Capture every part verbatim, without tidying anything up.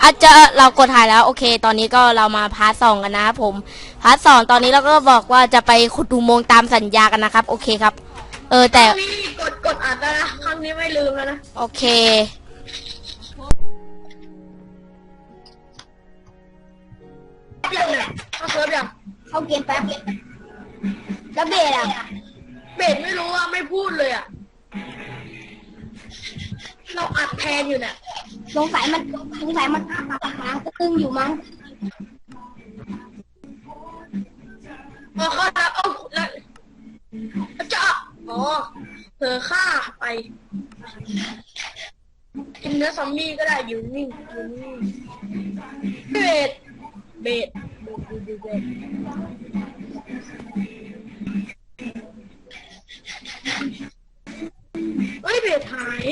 อาจจะเรากดถ่ายแล้วโอเคตอนนี้ก็เรามาพาร์ทสองกันนะครับผมพาร์ทสองตอนนี้เราก็บอกว่าจะไปขุดอุโมงค์ตามสัญญากันนะครับโอเคครับเออแต่ครั้งนี้กดกดอ่านแล้วนะครั้งนี้ไม่ลืมแล้วนะโอเคยังเนี่ยเขาเซิร์ฟยังเข้าเกมแป๊บแล้วเบสอ่ะเบสไม่รู้ว่าไม่พูดเลยอ่ะเราอัดแทนอยู่เนี่ยสงสัยมันสงสัยมันค้างตึงอยู่มั้งพอเขาแล้วเอาแล้วจะอ๋อเธอฆ่าไปกินเนื้อซอมบี้ก็ได้อยู่นิ่งอยู่นิ่งเบสเบสเบสเบสเฮ้ยเบสหาย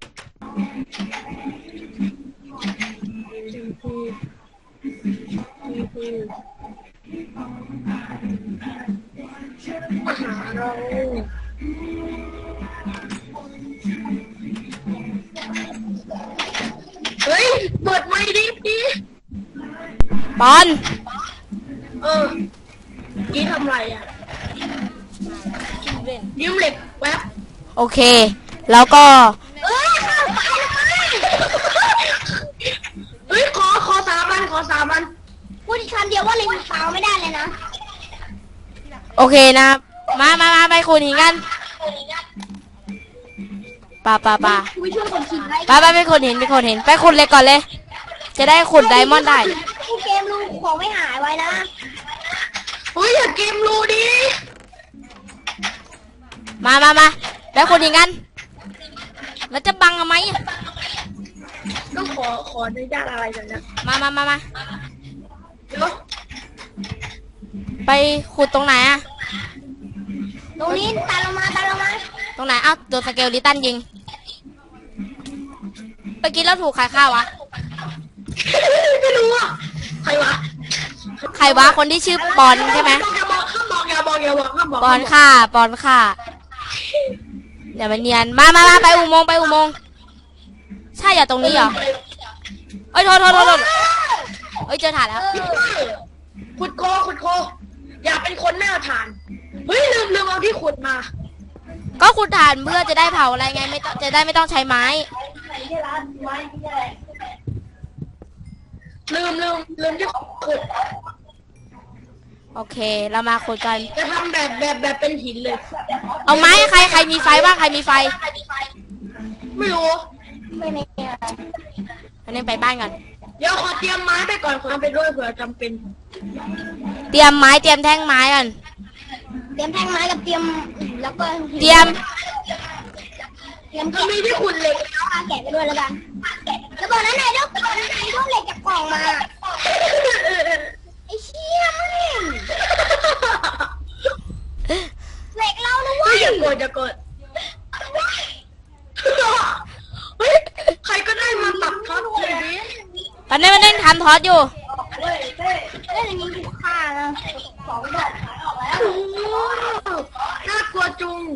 มาหาเราเฮ้ยเปิดไมค์ดิพี่บอลเออกี้ทำไรอ่ะยืมเหล็กแป๊บโอเคแล้วก็เอ้ยเฮ้ยขอขอสามวันขอสามวันพูดอีกคำเดียวว่าเล็งเท้าไม่ได้เลยนะโอเคนะมามามาไปขุดหินกันป่าป่าป่าไปไปไปขุดหินไปขุดหินไปขุดเลยก่อนเลยจะได้ขุดไดมอนด์ได้ผู้เกมรูของไม่หายไว้นะเฮ้ยอย่าเกมรูดิมามามาไปขุดหินกันแล้วจะบังทำไมต้องขอขออนุญาตอะไรกันนะมามามามาเดี๋ยวไปขุดตรงไหนอะตรงนี้ตามลงมาตามลงมาตรงไหนอ้าวโดนสเกลลิตันยิงเมื่อกี้เราถูกใครฆ่าวะไม่รู้อ่ะใครวะใครวะคนที่ชื่อปอนใช่ไหมอย่าบอกข้ามบอกอย่าบอกอย่าบอกข้ามบอกปอนฆ่าปอนฆ่าอย่ามาเนียนมามามาไปอุโมงค์ไปอุโมงค์ใช่อย่าตรงนี้เหรอเอ้ยโทษโทษโทษโทษเอ้ยเจอถ่านแล้วขุดโคขุดโคอย่าเป็นคนไม่เอาถ่านเฮ้ยลืมลืมเอาที่ขุดมาก็ขุดถ่านเพื่อจะได้เผาอะไรไงไม่ต้องจะได้ไม่ต้องใช้ไม้ลืมลืมลืมที่ขุดโอเคเรามาขุดกันจะทำแบบแบบแบบเป็นหินเลยเอาไม้ใครใครมีไฟบ้างใครมีไฟไม่รู้ไม่ไม่อันนี้ไปบ้านก่อนเดี๋ยวขอเตรียมไม้ไปก่อนขอไปด้วยเผื่อจำเป็นเตรียมไม้เตรียมแท่งไม้ก่อนเตรียมแท่งไม้กับเตรียมแล้วก็เตรียมเตรียมก็มีที่ขุดเหล็กแล้วแกะไปด้วยแล้วกันแล้วบอกนั้นไหนลูกบอกนั้นไหนลูกเหล็กจากกล่องมาไอ้เชี่ยมึงเหล็กเรานะเว้ยอย่ากดอย่ากดเฮ้ยใครก็ได้มาตัดท็อตเลยดิตอนนี้มันเล่นทำทอสอยู่เล่นอย่างนี้ถูกฆ่านะสองดอกขายออกแล้วน่ากลัวจุง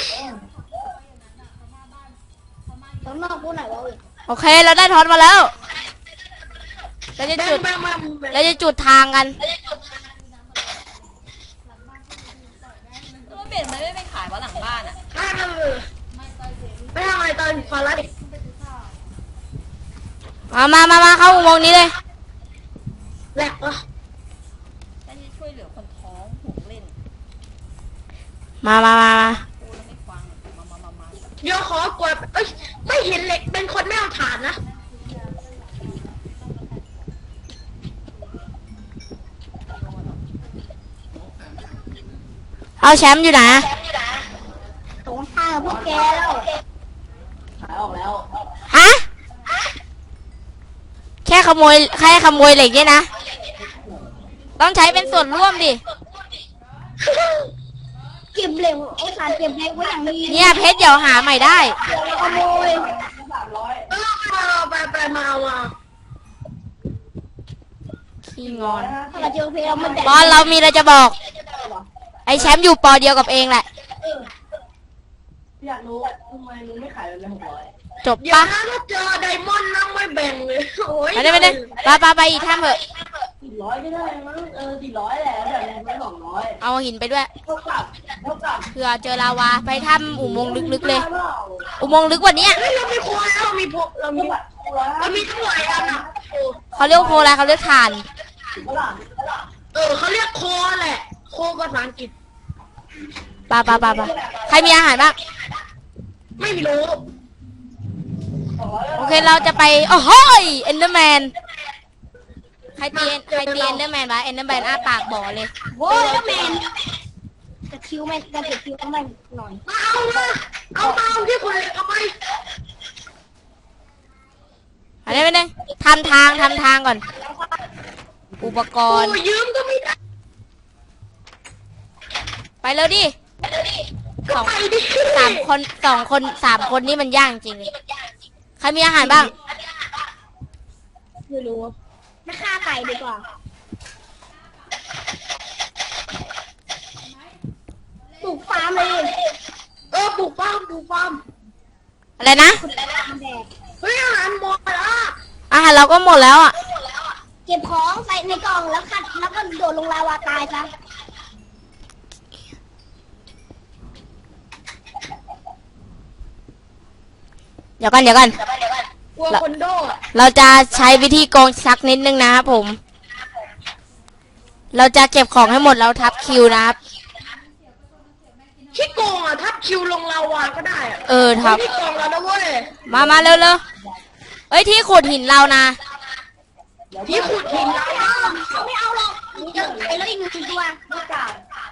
ต้องนอกพูดหน่อยว่าโอเคเราได้ทอสมาแล้วเราจะจุดเราจะจุดทางกันรถเบนซ์ไม่ไปขายวะหลังบ้านอ่ะไม่ทำอะไรตอนฟาร์ดิมามามามาเข้าอุโมงค์นี้เลยแหลกเหรอฉันจะช่วยเหลือคนท้องห่วงเล่นมามามามาเดี๋ยวขอกดเอ้ยไม่เห็นเหล็กเป็นคนไม่เอาถ่านนะเอาแชมป์อยู่ไหนตรงข้างพวกแกแล้วขายออกแล้วฮะแค่ขโมยแค่ขโมยเหล็กเนี่ยนะต้องใช้เป็นส่วนร่วมดิเก็บเหล็กไอ้สารเก็บเหล็กไว้อย่างนี้เนี่ยเพชรเดี๋ยวหาใหม่ได้ขโมยเออไปไปมามาขี้งอนบอลเรามีอะไรจะบอกไอ้แชมป์อยู่ปอเดียวกับเองแหละอยากรู้ทำไมมึงไม่ขายเลยหกร้อยจบเดี๋ยวปะนะถ้าเจอไดมอนด์นั่งไม่แบ่งเลยโอ้ยไปได้ไปได้ไปไปไปอีกถ้ำเถอะสี่ร้อยก็ได้มั้งเออสี่ร้อยแหละแบบนี้ไม่สองร้อยเอาหินไปด้วยเท่ากับเท่ากับเผื่อเจอลาวาไปถ้ำอุโมงค์ลึกๆเลยเปล่าอุโมงค์ลึกกว่านี้เฮ้ยเรามีโคแล้วเรามีโพเรามีร้อยเรามีทั้งหลายอันอ่ะโอ้เขาเรียกโคอะไรเขาเรียกถ่านเท่าไหร่เออเขาเรียกโคแหละ โคภาษาอังกฤษปาปาปาปาใครมีอาหารบ้างไม่รู้โอเคเราจะไปโอ้โหเอนเดอร์แมนใครตีใครตีเอนเดอร์แมนวะเอนเดอร์แมนอ้าปากบ่อเลยโว้ยแล้วแมนกระคิวแมนกระคิวต้องแมนหน่อยมาเอามาเอามาเอาที่คนเอาไปอันนี้ไปเลยทำทางทำทางก่อน อุปกโอ้รณ์ยืมก็ไม่ได้ไปเร็วดิสองไปดิสามคนสองคนสามคนนี่มันยากจริงเลยใครมีอาหารบ้างไม่รู้ไม่ฆ่าไก่ดีกว่าปลูกฟาร์มเลยเออปลูกฟาร์มปลูกฟาร์มอะไรนะคุณแดกเฮ้ยอาหารหมดแล้วอาหารเราก็หมดแล้วอ่ะเก็บของใส่ในกล่องแล้วคัดแล้วก็โดดลงลาวาตายซะเดี๋ยวกันเดี๋ยวกันกลัวคนโดดเราจะใช้วิธีโกงสักนิดนึงนะครับผม เราจะเก็บของให้หมดแล้วทับคิวนะครับที่โกงอ่ะทับคิวลงลาวาก็ได้อ่ะเออทับที่โกงแล้วนะเว้ยมามาเร็วเร็วเอ้ยที่ขุดหินเรานะที่ขุดหินลาวาไม่เอาหรอกเยอะไปแล้วอีกหนึ่งตัวไม่กล้า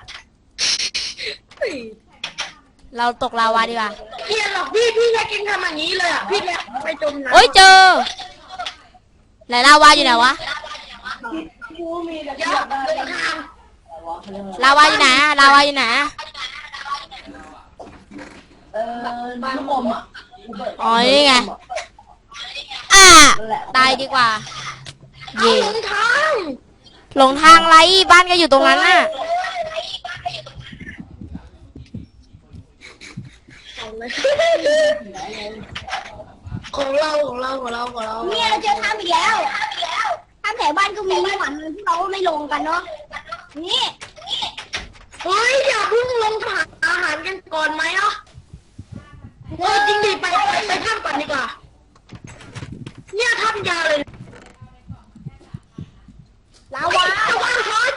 เฮ้ยเราตกลาวาดีกว่าเกลียดหรอกพี่พี่แค่กินทำอย่างนี้เลยอ่ะพี่แค่ไปจมน้ำเอ้ยเจอไหนลาวาอยู่ไหนวะกูมีแต่เดี๋ยวเดินทางลาวาอยู่ไหนอะลาวาอยู่ไหนอะเออบ้านลมอ่ะอ๋อนี่ไงอ่าตายดีกว่าเอาเย่หลงทางหลงทางไรบ้านก็อยู่ตรงนั้นน่ะเอาเลยของเราของเราของเราของเราเนี่ยเราเจอทำอีกแล้วทำแถวบ้านก็มีหวันที่เราไม่ลงกันเนาะนี่เฮ้ยอย่าเพิ่งลงหาอาหารกันก่อนไหมอ่ะเออจริงดิไปไปไปท่ามก่อนดีกว่า เนี่ยท่ามยาวเลยลาวาลาวาฮอต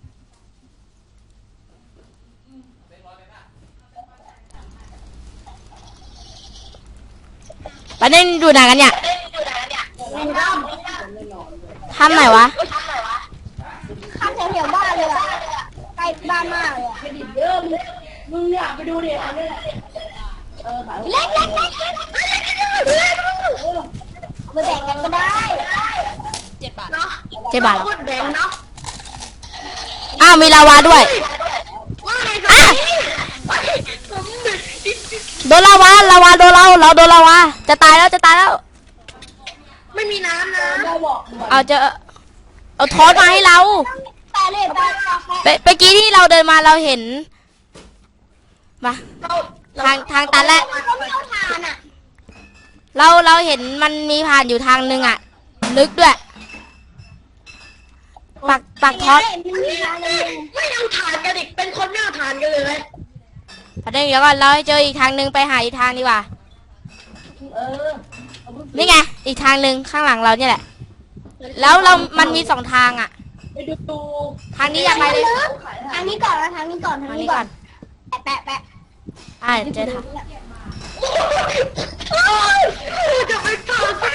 ไปเล่นดูหนังกันเนี่ยลงท่ามทำไหนวะทำแถวแถวบ้านเลยอะใกล้บ้านมากเลยอะไปดิเยอะมึงเนี่ยไปดูดิอันนี้เล็กเล็กเล็กเล็กเอาไปแบ่งกันก็ได้เจ็ดบาทเนาะเจ็ดบาทเหรอโคตรแดงเนาะอ้าวมีลาวาด้วยว่าไงกันนี่ไปผมดึกโดนลาวาลาวาโดนเราเราโดนลาวาจะตายแล้วจะตายแล้วไม่มีน้ำนะเอาเจอเอาทอดมาให้เราแปลเลยแปลไปไปกี้ที่เราเดินมาเราเห็นมาเราทางทางตันแหละเขาไม่เอาทานอ่ะเราเราเห็นมันมีผ่านอยู่ทางหนึ่งอ่ะ ลึกด้วย ปักปักทอดมันมีทางนึงไม่เอาถ่านกันอีกเป็นคนไม่เอาถ่านกันเลยประเด็นเดี๋ยวก่อนเราให้เจออีกทางหนึ่งไปหาอีกทางดีกว่าเออนี่ไงอีกทางหนึ่งข้างหลังเราเนี่ยแหละ แล้วเรามันมีสองทางอ่ะไปดูดูทางนี้อยากไปเลยทางนี้ก่อนนะทางนี้ก่อนทางทางนี้นี้ก่ก่ออน นแปะแปะอ่าเจอทางจะไปถ่านไป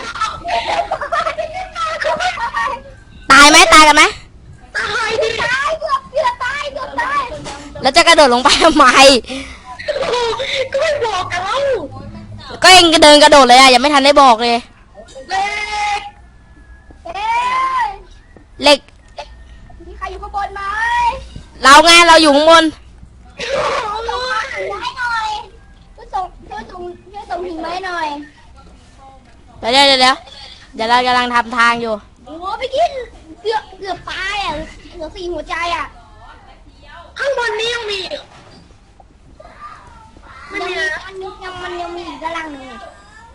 ตายไหมตายกันไหมตายดิตายเกือบเกือบตายเกือบตายแล้วจะกระโดดลงไปทำไมก็ไม่บอกกันแล้วก็เองเดินกระโดดเลยอ่ะยังไม่ทันได้บอกเลยเล็กเอ๊ะเหล็กมีใครอยู่ข้างบนไหมเราไงเราอยู่ข้างบนส่งหินไม้หน่อยช่วยส่งช่วยส่งช่วยส่งหินไม้หน่อยเดี๋ยวเดี๋ยวเดี๋ยวเดี๋ยวเรากำลังทำทางอยู่โอ้ไปกินเกือบเกือบตายอ่ะเหลือสี่หัวใจอ่ะข้างบนนี้ยังมีไม่ยังมีมีนะมันยังมันยังมีอีกกำลังหนึ่ง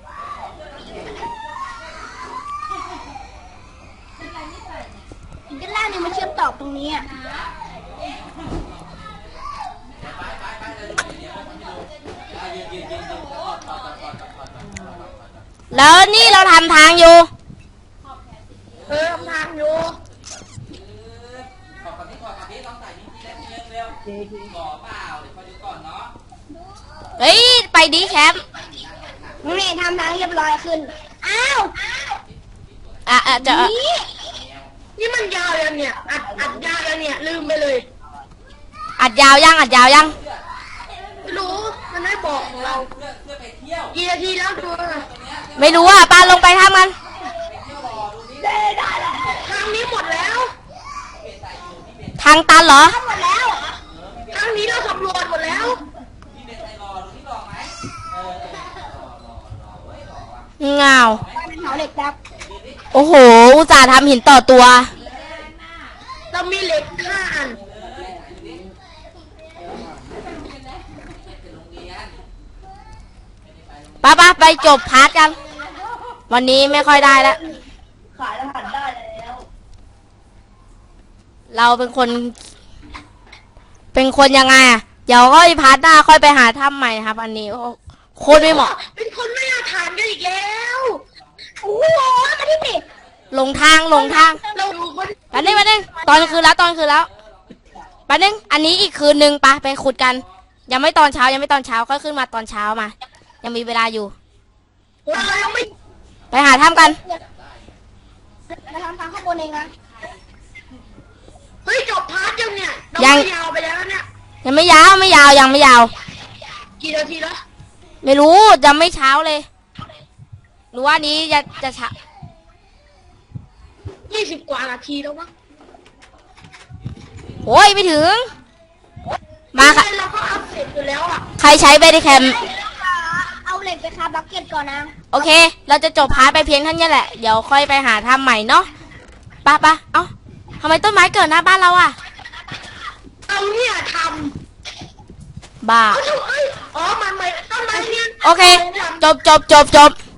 ตอบตรงนี้อ่ะแล้วนี่เราทำทางอยู่เออทำทางอยู่เฮ้ย ไปดีแคมป์นี่ทำทางเรียบร้อยขึ้น อ้าวอ่ะอ่ะจะนี่นี่มันยาวแล้วเนี่ยอัดอัดยาวแล้วเนี่ยลืมไปเลยอัดยาวยังอัดยาวยังไม่รู้มันไม่บอกของเรากี่นาทีแล้วดูนะไม่รู้อ่ะปาลงไปทำกันทางนี้หมดแล้วทางตันเหรอหมดแล้วทางนี้เราสำรวจหมดแล้วเงาเป็นเสาเหล็กครับโอ้โห อุตส่าห์ทำหินต่อตัวเรามีเหล็กห้าอันป้าป้าไปจบพาร์ทกัน วันนี้ไม่ค่อยได้แล้วขายรหัสได้แล้วเราเป็นคน เป็นคนยังไงอ่ะ เดี๋ยวก็พาร์ทหน้าค่อยไปหาถ้ำใหม่นะครับ อันนี้โคตรไม่เหมาะเป็นคนไม่อาถรรพ์กันอีกแล้วโอ้โหมาที่นี่หลงทางหลงทางเราดูคนแป๊บนึงแป๊บนึงตอนคืนแล้วตอนคืนแล้วแป๊บนึงอันนี้อีกคืนนึงไปะไปขุดกัน ยังไม่ตอนเช้ายังไม่ตอนเช้าก็ขึ้นมาตอนเช้ามา ยังมีเวลาอยู่เรายังไม่ไปหาถ้ำกันมาทำทางข้างบนเองนะเฮ้ยจบพาร์ทยังเนี่ยเรายังไม่ยาวไปแล้วเนี่ยยังไม่ยาวไม่ยาวยังไม่ยาวกี่นาทีแล้วไม่รู้ยังไม่เช้าเลยหรือว่านี้จะจะเช้ายี่สิบกว่านาทีแล้วมั้งโอ้ยไม่ถึง มาค่ะเราก็อัพเสร็จอยู่แล้วอ่ะใครใช้เบดิแคมเอาเหล็กไปคาบล็อกเก็ตก่อนนะโอเค เราจะจบพาร์ทไปเพียงเท่านี้แหละเดี๋ยวค่อยไปหาถ้ำใหม่เนาะไปะปะเอ้าทำไมต้นไม้เกิดหน้าบ้านเราอ่ะเอาเนี่ยทบ้าำเอาเถอะเอ้ยอ๋อมันไม่ต้นไม้เนี่ยโอเค จบจบจบจบ